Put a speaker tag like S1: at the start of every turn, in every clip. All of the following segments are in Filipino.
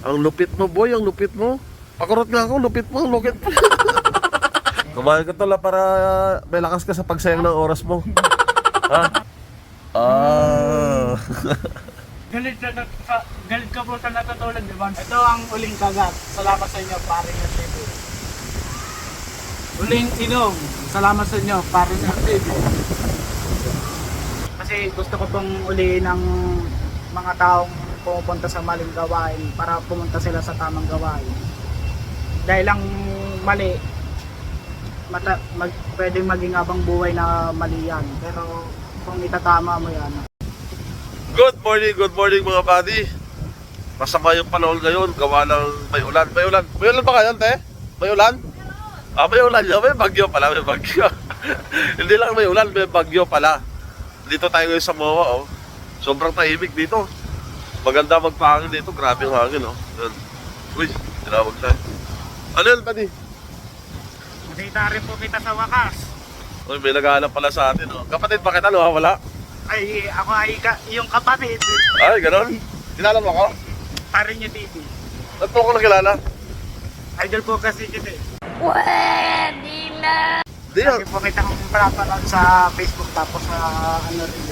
S1: Ang lupit mo, boy, ang lupit mo. Pakurot nga ako, lupit mo, lupit mo. Kumain ka tala para may lakas ka sa pagsayang ng oras mo. Ha? Ah.
S2: Galit ka po sa natutulog, di ba? Ito ang uling kagat. Salamat sa inyo, paring TV. Uling inom. Salamat sa inyo, paring TV. Kasi gusto ko pong uliin ng mga taong pumupunta sa maling gawain para pumunta sila sa tamang gawain. Dahil ang mali, pwedeng maging abang buhay na mali yan. Pero kung itatama mo yan.
S1: Good morning mga buddy. Masama yung panahon ngayon, gawa ng may ulan. May ulan ba kayo, te? May ulan? Ah, may ulan yun. May bagyo pala, may bagyo. Hindi lang may ulan, may bagyo pala. Dito tayo ngayon sa MOA, oh. Sobrang tahimik dito. Maganda magpahangin dito, grabe yung hangin, oh. Yan. Uy, tinawag tayo. Ano yan, buddy?
S2: Nakita rin po kita sa wakas.
S1: Uy, may naghahanap pala sa atin, oh. Kapatid, bakit ano, wala?
S2: Ay, ako ay yung kapatid.
S1: Ay, gano'n? Kilala mo ako?
S2: Parin niyo TV.
S1: Ba't mo ako nakilala?
S2: Idol po kasi kita eh.
S3: Pwede na.
S1: Hindi yan.
S2: Lagi po kita kong pinapanood sa Facebook tapos sa ano rin.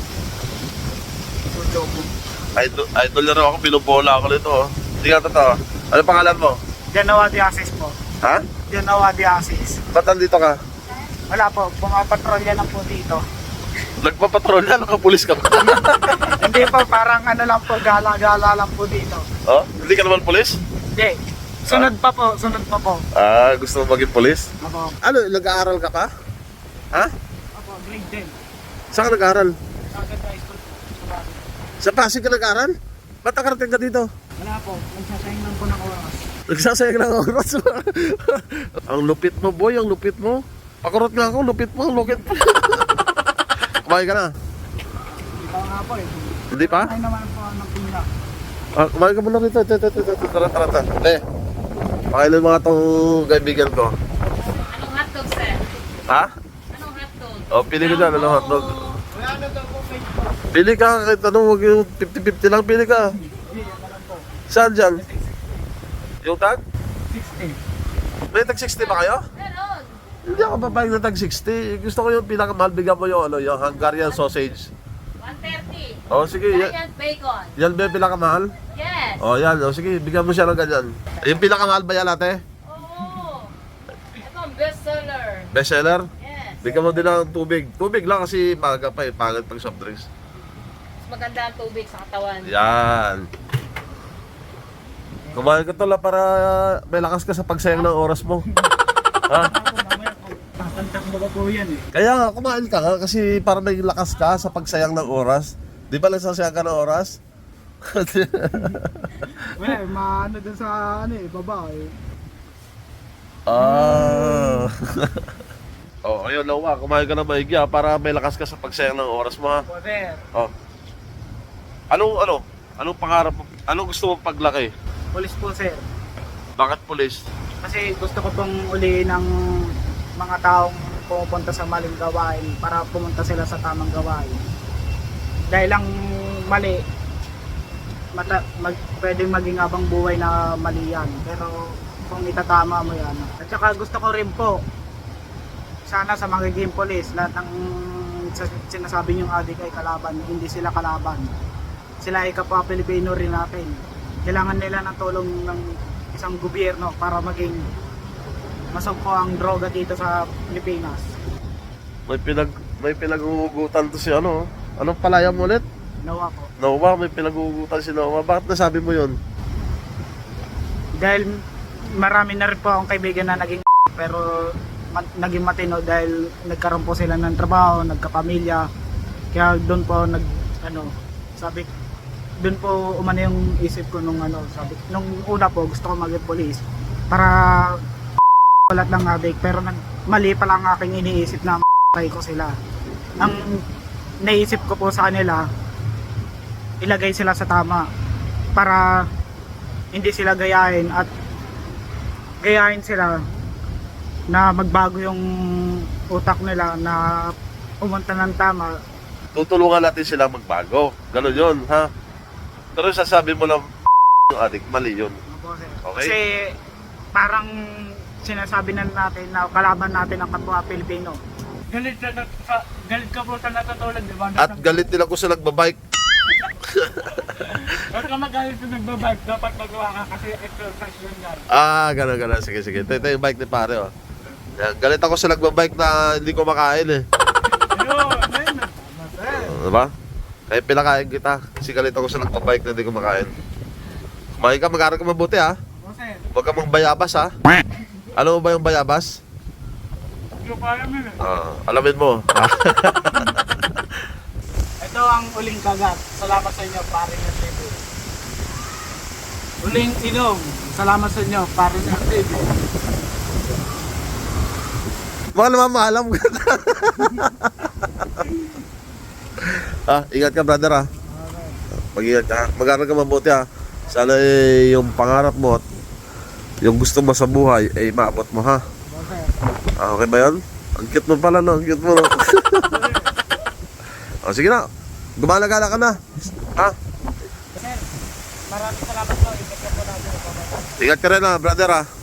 S2: Studio mo.
S1: Idol na rin ako, binubola ako nito, oh. Hindi nga totoo. Ano pangalan mo?
S2: Genoa de Asis po.
S1: Ha?
S2: Genoa de Asis.
S1: Ba't nandito ka?
S2: Wala po, pumapatrolya lang po dito.
S1: Nagpapatrol na, nakapulis ka pa.
S2: Hindi po, parang ano lang po, gala-gala lang po dito.
S1: Oh? Hindi ka naman pulis?
S2: Hindi. Sunod pa po, sunod pa po.
S1: Ah, gusto mo maging pulis?
S2: Apo.
S1: Ano, nag-aaral ka pa? Ha?
S2: Apo, grade 10.
S1: Saan ka nag-aaral?
S2: Sagad high school po. Sa Baguio.
S1: Sa Pasig ka nag-aaral? Ba't nakarating ka dito?
S2: Wala po, nagsasayang lang po ng oras.
S1: Nagsasayang ng oras. Ang lupit mo, boy, ang lupit mo. Pakurot nga ako, lupit mo, lupit mo. Kumain ka na?
S2: Hindi pa nga po eh.
S1: Hindi pa?
S2: Ay naman po ng pina.
S1: Ah, kumain ka muna rito. Tara. Pakailan mga tong kaibigan ko.
S3: Anong hotdog, sir?
S1: Ha?
S3: Anong hotdog?
S1: Oh, pili ko dyan, ano hotdog.
S2: Wala na daw po Facebook.
S1: Pili ka, kahit ano, huwag yung 50-50 lang, pili ka.
S2: Hindi, yan na lang po.
S1: Saan dyan? Yung tag?
S2: 60.
S1: May tag 60 ba kayo?
S3: Meron.
S1: Hindi ako babayag na tag 60. Gusto ko yung pinakamahal, bigyan mo yung, ano, yung Hungarian sausage.
S3: 130.
S1: Oh, sige.
S3: Giant bacon.
S1: Yan ba yung pinakamahal?
S3: Yes.
S1: Oh, yan. Oh, sige, bigyan mo siya ng ganyan. Yung pinakamahal ba yan, ate?
S3: Oo. Ito ang bestseller.
S1: Bestseller?
S3: Yes.
S1: Bigyan mo din ng tubig. Tubig lang kasi maga pa eh. Pangit pag soft drinks.
S3: Mas maganda ang tubig sa katawan.
S1: Yan. Kumain ka tala para may lakas ka sa pagsayang ng oras mo. Ha?
S2: Mamaya po, tatantak mo ba po yan eh.
S1: Kaya nga, kumain ka nga kasi para may lakas ka sa pagsayang ng oras. Di ba nagsasayang ka ng oras?
S2: Wala, maano dun sa ano eh, baba eh.
S1: Ah. Oh, ayun Lawa, kumain ka na maigi ha, para may lakas ka sa pagsayang ng oras mo ha.
S2: Poder,
S1: Oh. Anong pangarap mo? Anong gusto mo paglaki?
S2: police po sir.
S1: Bakit pulis?
S2: Kasi gusto ko pong uliin ng mga taong pumupunta sa maling gawain para pumunta sila sa tamang gawain. Dahil ang mali, pwedeng maging abang buhay na mali yan. Pero kung itatama mo yan. At saka gusto ko rin po, sana sa magiging polis, lahat ng sinasabi niyong adik ay kalaban, hindi sila kalaban. Sila ay kapwa Pilipino rin natin. Kailangan nila ng tulong ng isang gobyerno para maging masugpo ang droga dito sa Pilipinas.
S1: May pinag-uugutan to si ano. Anong palaya mo ulit?
S2: Nawa po.
S1: Noah, may pinag-uugutan si Noah. Bakit nasabi mo yun?
S2: Dahil marami na rin po akong kaibigan na naging pero naging matino dahil nagkaroon po sila ng trabaho, nagkapamilya. Kaya doon po sabi doon po umano yung isip ko nung una po gusto ko maging police para ulat lang adik pero mali pa lang aking iniisip na ko sila. Ang naisip ko po sa kanila, ilagay sila sa tama para hindi sila gayahin at gayahin sila na magbago yung utak nila na pumunta ng tama.
S1: Tutulungan natin sila magbago. Ganon yun, ha? Pero sasabi mo lang yung adik, mali yun. Okay?
S2: Kasi parang sinasabi na natin na kalaban natin ang kapwa Pilipino. Galit ka po sa natutulog, di ba?
S1: At galit nila ko sa nagbabike.
S2: Huwag ka magalit sa nagbabike, dapat magawa ka kasi exercise yun yan.
S1: Gano'n. Sige. Ito yung bike ni pare, oh. Yan, galit ako sa nagbabike na hindi ko makain, eh.
S2: Ayun.
S1: Diba? Kaya pinakain kita. Kasi galit ako sa nagbabike na hindi ko makain. Kumain ka, mag-aaral ka mabuti, ha? Huwag ka mong bayabas, ha? Alam mo ba yung bayabas?
S2: Hindi ko alam yun eh.
S1: Alamin mo.
S2: Ito ang uling kagat. Salamat sa inyo, pare ng TV. Uling inom. Salamat sa inyo, pare ng TV.
S1: Baka naman maalam ka na. Ingat ka, brother, ha? Mag-ingat ka. Mag-aaral ka mabuti, ha? Sana yung pangarap mo at yung gusto mo sa buhay ay maabot mo, ha? Okay ba yun? Ang cute mo pala, no? Ang cute mo, no? Sige na. Gumala-gala ka na. Ha?
S2: Sir, maraming salamat po. Ingat ka po natin.
S1: Ingat ka rin, ha, brother, ha?